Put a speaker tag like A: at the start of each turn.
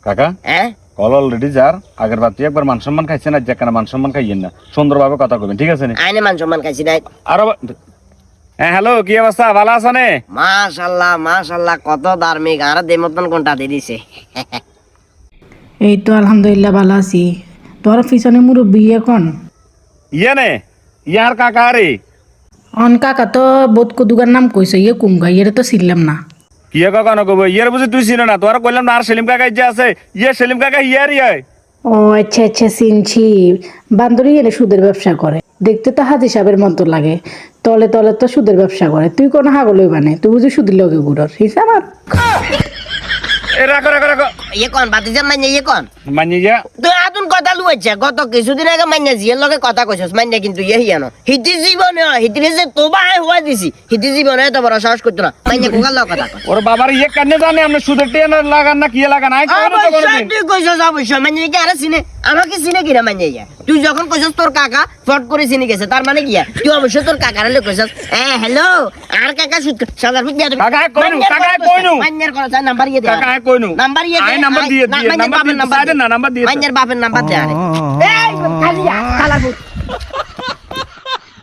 A: কাকা কল অলরেডি যার আগের বার তুই একবার মান সম্মান খাইছেন আর যেখানে মান সম্মান খাইয়েন না সুন্দরভাবে কথা কবেন ঠিক আছে
B: আইনে মান সম্মান খাইছি নাই
A: আরো হ্যাঁ হ্যালো কি অবস্থা ভালো আছো নে
B: মাশাআল্লাহ মাশাআল্লাহ কত ধার্মিক আর দে মতন কোনটা দিয়ে দিছে
C: এই তো আলহামদুলিল্লাহ ভালো আছি তোর পিছনে মুরব্বী এখন
A: ইয়ে নে ইয়ার কাকা রে
C: অন কাকা তো বোধ কদুগার নাম কইছে ইয়ে কুমগা ইয়ে তো ছিলাম না
A: কি কাকা নকব ইয়ার বুঝি তুই চিনো না তোর কইলাম না আর সেলিম কাকা যে আছে ইয়ে সেলিম কাকা ইয়ারই হয়
C: ও আচ্ছা আচ্ছা চিনছি বান্দরি এনে সুদের ব্যবসা করে দেখতে তো হাজি সাহেবের মতো লাগে তলে তলে তো সুদের ব্যবসা করে তুই কোনো হাগলই বানে তুই বুঝি সুদের লগে গুড়র হিসাব আমার
A: এ রাখো রাখো রাখো
B: ইয়ে কোন বাতিজা মাইনে ইয়ে কোন
A: মানি যা
B: তুই আতুন কথা লুয়েছে গত কিছুদিন আগে মাইনে জিয়ের লগে কথা কইছস মাইনে কিন্তু ইয়ে হিয়ানো হিতি জীবনে হিতিরে যে তোবা হওয়া দিছি হিতি জীবনে তো বড় সাহস করতো না মাইনে কোকার লগে কথা কই
A: ওর বাবার ইয়ে কানে জানে আপনি সুদের টেন লাগান না কি লাগান আই কই না তো
B: অবশ্যই
A: কোনদিন
B: তুই কইছস অবশ্যই মাইনে কি আরে চিনে আমাকে চিনে কিনা মাইনে ইয়া তুই যখন কইছস তোর কাকা ফট করে চিনে গেছে তার মানে কি তুই অবশ্যই তোর কাকারে লগে কইছস হ্যালো আর কাকা সুদ সাদার ফুট দিয়া
A: কাকা কইনু
B: মাইনের কথা নাম্বার ইয়ে দে
A: কাকা কইনু
B: নাম্বার ইয়ে দে
A: আই নাম্বার দিয়ে নাম্বার দিয়ে না নাম্বার দিয়ে
B: মাইনের বাপের নাম্বার দে আরে এই খালিয়া খালা